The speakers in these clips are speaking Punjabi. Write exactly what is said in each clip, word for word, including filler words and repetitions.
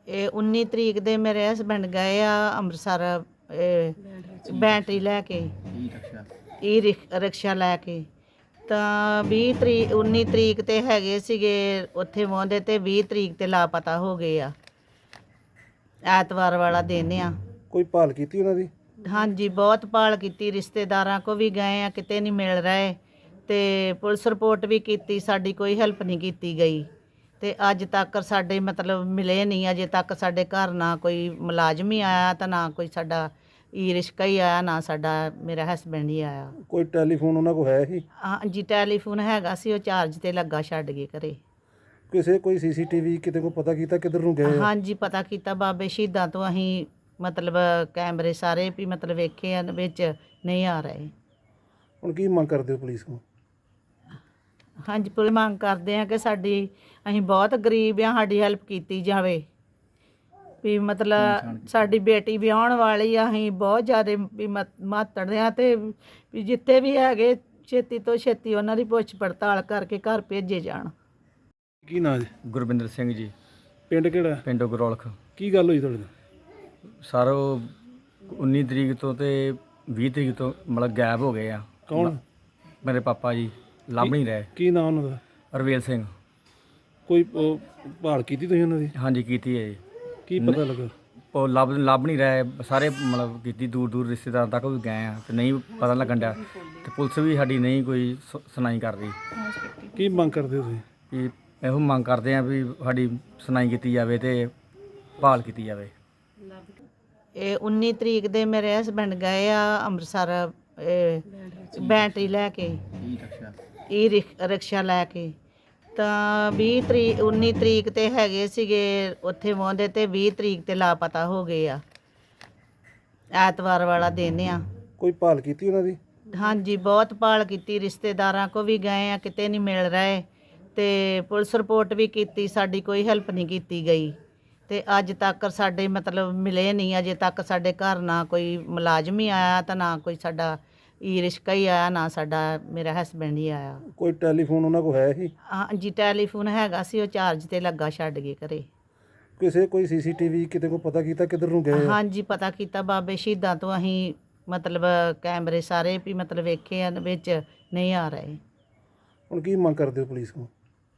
ਇਹ ਉੱਨੀ ਤਰੀਕ ਦੇ ਮੇਰੇ ਹਸਬੈਂਡ ਗਏ ਆ ਅੰਮ੍ਰਿਤਸਰ ਇਹ ਬੈਟਰੀ ਲੈ ਕੇ ਈ ਰਿਕ- ਰਿਕਸ਼ਾ ਲੈ ਕੇ ਤਾਂ ਵੀਹ ਤਰੀਕ ਉੱਨੀ ਤਰੀਕ ਤੇ ਹੈਗੇ ਸੀਗੇ ਉੱਥੇ ਪਹੁੰਚਦੇ ਤੇ ਵੀਹ ਤਰੀਕ ਤੇ ਲਾਪਤਾ ਹੋ ਗਏ ਆ। ਐਤਵਾਰ ਵਾਲਾ ਦਿਨ ਆ। ਕੋਈ ਭਾਲ ਕੀਤੀ ਉਹਨਾਂ ਦੀ? ਹਾਂਜੀ ਬਹੁਤ ਭਾਲ ਕੀਤੀ, ਰਿਸ਼ਤੇਦਾਰਾਂ ਕੋ ਵੀ ਗਏ ਆ, ਕਿਤੇ ਨਹੀਂ ਮਿਲ ਰਹੇ ਤੇ ਪੁਲਿਸ ਰਿਪੋਰਟ ਵੀ ਕੀਤੀ, ਸਾਡੀ ਕੋਈ ਹੈਲਪ ਨਹੀਂ ਕੀਤੀ ਗਈ ਤੇ ਅੱਜ ਤੱਕ ਸਾਡੇ ਮਤਲਬ ਮਿਲੇ ਨਹੀਂ। ਅਜੇ ਤੱਕ ਸਾਡੇ ਘਰ ਨਾ ਕੋਈ ਮੁਲਾਜ਼ਮ ਹੀ ਆਇਆ ਤਾਂ ਨਾ ਕੋਈ ਸਾਡਾ ਈ ਰਿਸ਼ਕਾ ਹੀ ਆਇਆ, ਨਾ ਸਾਡਾ ਮੇਰਾ ਹਸਬੈਂਡ ਹੀ ਆਇਆ। ਕੋਈ ਟੈਲੀਫੋਨ ਉਹਨਾਂ ਕੋਲ ਹੈ ਹੀ? ਹਾਂਜੀ ਟੈਲੀਫੋਨ ਹੈਗਾ ਸੀ, ਉਹ ਚਾਰਜ ਤੇ ਲੱਗਾ, ਛੱਡ ਗਏ ਘਰੇ। ਕਿਸੇ ਕੋਈ ਸੀਸੀਟੀਵੀ ਕਿਤੇ ਕੋਈ ਪਤਾ ਕੀਤਾ ਕਿੱਧਰ ਨੂੰ ਗਏ ਆ? ਹਾਂਜੀ ਪਤਾ ਕੀਤਾ, ਬਾਬੇ ਸ਼ਹੀਦਾਂ ਤੋਂ ਅਸੀਂ ਮਤਲਬ ਕੈਮਰੇ ਸਾਰੇ ਵੀ ਮਤਲਬ ਵੇਖੇ ਆ, ਵਿੱਚ ਨਹੀਂ ਆ ਰਹੇ। ਹੁਣ ਕੀ ਮੰਗ ਕਰਦੇ ਹੋ ਪੁਲਿਸ ਕੋਲ? ਹਾਂਜੀ ਪੁਲਿਸ ਮੰਗ ਕਰਦੇ ਆ ਕਿ ਸਾਡੀ, ਅਸੀਂ ਬਹੁਤ ਗਰੀਬ ਆ, ਸਾਡੀ ਹੈਲਪ ਕੀਤੀ ਜਾਵੇ ਵੀ ਮਤਲਬ ਸਾਡੀ ਬੇਟੀ ਵਿਆਹੁਣ ਵਾਲੀ ਆ, ਅਸੀਂ ਬਹੁਤ ਜ਼ਿਆਦਾ ਵੀ ਮਾਤੜ ਆ ਤੇ ਵੀ ਜਿੱਥੇ ਵੀ ਹੈਗੇ ਛੇਤੀ ਤੋਂ ਛੇਤੀ ਉਹਨਾਂ ਦੀ ਪੁੱਛ ਪੜਤਾਲ ਕਰਕੇ ਘਰ ਭੇਜੇ ਜਾਣ। ਕੀ ਨਾਂ ਜੀ? ਗੁਰਵਿੰਦਰ ਸਿੰਘ ਜੀ, ਪਿੰਡ ਕਿਹੜਾ? ਪਿੰਡ ਗਰੋਲਖ। ਕੀ ਗੱਲ ਹੋਈ ਤੁਹਾਡੇ ਨਾਲ? ਸਰ ਉਹ ਉੱਨੀ ਤਰੀਕ ਤੋਂ ਤੇ ਵੀਹ ਤਰੀਕ ਤੋਂ ਮਤਲਬ ਗਾਇਬ ਹੋ ਗਏ ਆ। ਕੌਣ? ਮੇਰੇ ਪਾਪਾ ਜੀ ਲੱਭ ਨਹੀਂ ਰਹੇ। ਕੀ ਨਾਂ ਉਹਨਾਂ ਦਾ? ਰਵੇਲ ਸਿੰਘ। ਕੋਈ ਉਹ ਭਾਲ ਕੀਤੀ ਤੁਸੀਂ ਉਹਨਾਂ ਦੀ? ਹਾਂਜੀ ਕੀਤੀ ਹੈ ਜੀ। ਕੀ ਪਤਾ ਲੱਗਾ? ਉਹ ਲੱਭ ਲੱਭ ਨਹੀਂ ਰਹੇ, ਸਾਰੇ ਮਤਲਬ ਕੀਤੀ, ਦੂਰ ਦੂਰ ਰਿਸ਼ਤੇਦਾਰਾਂ ਤੱਕ ਵੀ ਗਏ ਆ ਤੇ ਨਹੀਂ ਪਤਾ ਲੱਗਣ ਡਿਆ ਤੇ ਪੁਲਿਸ ਵੀ ਸਾਡੀ ਨਹੀਂ ਕੋਈ ਸੁ- ਸੁਣਾਈ ਕਰ ਰਹੀ। ਕੀ ਮੰਗ ਕਰਦੇ ਹੋ ਤੁਸੀਂ? ਵੀ ਇਹੋ ਮੰਗ ਕਰਦੇ ਆ ਵੀ ਸਾਡੀ ਸੁਣਾਈ ਕੀਤੀ ਜਾਵੇ ਤੇ ਭਾਲ ਕੀਤੀ ਜਾਵੇ। ਇਹ ਉੱਨੀ ਤਰੀਕ ਦੇ ਮੇਰੇ ਹਸਬੈਂਡ ਗਏ ਆ ਅੰਮ੍ਰਿਤਸਰ ਇਹ ਬੈਟਰੀ ਲੈ ਕੇ ਈ ਰਿਕ- ਰਿਕਸ਼ਾ ਲੈ ਕੇ ਤਾਂ ਵੀਹ ਤਰੀਕ ਉੱਨੀ ਤਰੀਕ ਤੇ ਹੈਗੇ ਸੀਗੇ ਉੱਥੇ ਪਹੁੰਚਦੇ ਤੇ ਵੀਹ ਤਰੀਕ ਤੇ ਲਾਪਤਾ ਹੋ ਗਏ ਆ। ਐਤਵਾਰ ਵਾਲਾ ਦਿਨ ਆ। ਕੋਈ ਭਾਲ ਕੀਤੀ ਉਹਨਾਂ ਦੀ? ਹਾਂਜੀ ਬਹੁਤ ਭਾਲ ਕੀਤੀ, ਰਿਸ਼ਤੇਦਾਰਾਂ ਕੋ ਵੀ ਗਏ ਆ, ਕਿਤੇ ਨਹੀਂ ਮਿਲ ਰਹੇ ਤੇ ਪੁਲਿਸ ਰਿਪੋਰਟ ਵੀ ਕੀਤੀ, ਸਾਡੀ ਕੋਈ ਹੈਲਪ ਨਹੀਂ ਕੀਤੀ ਗਈ ਤੇ ਅੱਜ ਤੱਕ ਸਾਡੇ ਮਤਲਬ ਮਿਲੇ ਨਹੀਂ। ਅਜੇ ਤੱਕ ਸਾਡੇ ਘਰ ਨਾ ਕੋਈ ਮੁਲਾਜ਼ਮ ਹੀ ਆਇਆ ਤਾਂ ਨਾ ਕੋਈ ਸਾਡਾ ਈ ਰਿਸ਼ਕਾ ਹੀ ਆਇਆ, ਨਾ ਸਾਡਾ ਮੇਰਾ ਹਸਬੈਂਡ ਹੀ ਆਇਆ। ਕੋਈ ਟੈਲੀਫੋਨ ਉਹਨਾਂ ਕੋਲ ਹੈ ਹੀ? ਹਾਂਜੀ ਟੈਲੀਫੋਨ ਹੈਗਾ ਸੀ, ਉਹ ਚਾਰਜ ਤੇ ਲੱਗਾ, ਛੱਡ ਗਏ ਘਰੇ। ਕਿਸੇ ਕੋਈ ਸੀਸੀਟੀਵੀ ਕਿਤੇ ਕੋਈ ਪਤਾ ਕੀਤਾ ਕਿੱਧਰ ਨੂੰ ਗਏ ਆ? ਹਾਂਜੀ ਪਤਾ ਕੀਤਾ, ਬਾਬੇ ਸ਼ਹੀਦਾਂ ਤੋਂ ਅਸੀਂ ਮਤਲਬ ਕੈਮਰੇ ਸਾਰੇ ਵੀ ਮਤਲਬ ਵੇਖੇ ਆ, ਵਿੱਚ ਨਹੀਂ ਆ ਰਹੇ। ਹੁਣ ਕੀ ਮੰਗ ਕਰਦੇ ਹੋ ਪੁਲਿਸ ਕੋਲ?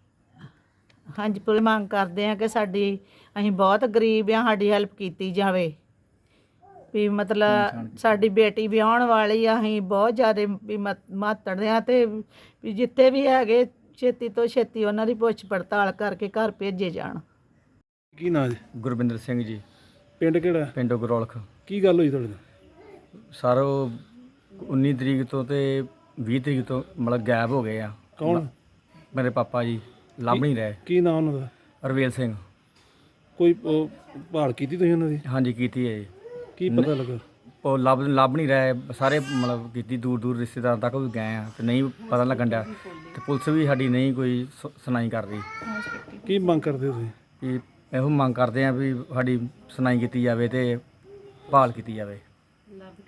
ਹਾਂਜੀ ਪੁਲਿਸ ਮੰਗ ਕਰਦੇ ਆ ਕਿ ਸਾਡੀ, ਅਸੀਂ ਬਹੁਤ ਗਰੀਬ ਆ, ਸਾਡੀ ਹੈਲਪ ਕੀਤੀ ਜਾਵੇ ਵੀ ਮਤਲਬ ਸਾਡੀ ਬੇਟੀ ਵਿਆਹੁਣ ਵਾਲੀ ਆ, ਅਸੀਂ ਬਹੁਤ ਜ਼ਿਆਦਾ ਵੀ ਮਾਤੜ ਆ ਤੇ ਵੀ ਜਿੱਥੇ ਵੀ ਹੈਗੇ ਛੇਤੀ ਤੋਂ ਛੇਤੀ ਉਹਨਾਂ ਦੀ ਪੁੱਛ ਪੜਤਾਲ ਕਰਕੇ ਘਰ ਭੇਜੇ ਜਾਣ। ਕੀ ਨਾਂ ਜੀ? ਗੁਰਵਿੰਦਰ ਸਿੰਘ ਜੀ, ਪਿੰਡ ਕਿਹੜਾ? ਪਿੰਡ ਗਰੋਲਖ। ਕੀ ਗੱਲ ਹੋਈ ਤੁਹਾਡੇ ਨਾਲ? ਸਰ ਉਹ ਉੱਨੀ ਤਰੀਕ ਤੋਂ ਤੇ ਵੀਹ ਤਰੀਕ ਤੋਂ ਮਤਲਬ ਗਾਇਬ ਹੋ ਗਏ ਆ। ਕੌਣ? ਮੇਰੇ ਪਾਪਾ ਜੀ ਲੱਭ ਨਹੀਂ ਰਹੇ। ਕੀ ਨਾਂ ਉਹਨਾਂ ਦਾ? ਰਵੇਲ ਸਿੰਘ। ਕੋਈ ਉਹ ਭਾਲ ਕੀਤੀ ਤੁਸੀਂ ਉਹਨਾਂ ਦੀ? ਹਾਂਜੀ ਕੀਤੀ ਹੈ ਜੀ। ਕੀ ਪਤਾ ਲੱਗਾ? ਉਹ ਲੱਭ ਲੱਭ ਨਹੀਂ ਰਹੇ, ਸਾਰੇ ਮਤਲਬ ਕੀਤੀ, ਦੂਰ ਦੂਰ ਰਿਸ਼ਤੇਦਾਰਾਂ ਤੱਕ ਵੀ ਗਏ ਆ ਤੇ ਨਹੀਂ ਪਤਾ ਲੱਗਣ ਡਿਆ ਤੇ ਪੁਲਿਸ ਵੀ ਸਾਡੀ ਨਹੀਂ ਕੋਈ ਸੁ- ਸੁਣਾਈ ਕਰ ਰਹੀ। ਕੀ ਮੰਗ ਕਰਦੇ ਹੋ ਤੁਸੀਂ? ਵੀ ਇਹੋ ਮੰਗ ਕਰਦੇ ਆ ਵੀ ਸਾਡੀ ਸੁਣਾਈ ਕੀਤੀ ਜਾਵੇ ਤੇ ਭਾਲ ਕੀਤੀ ਜਾਵੇ।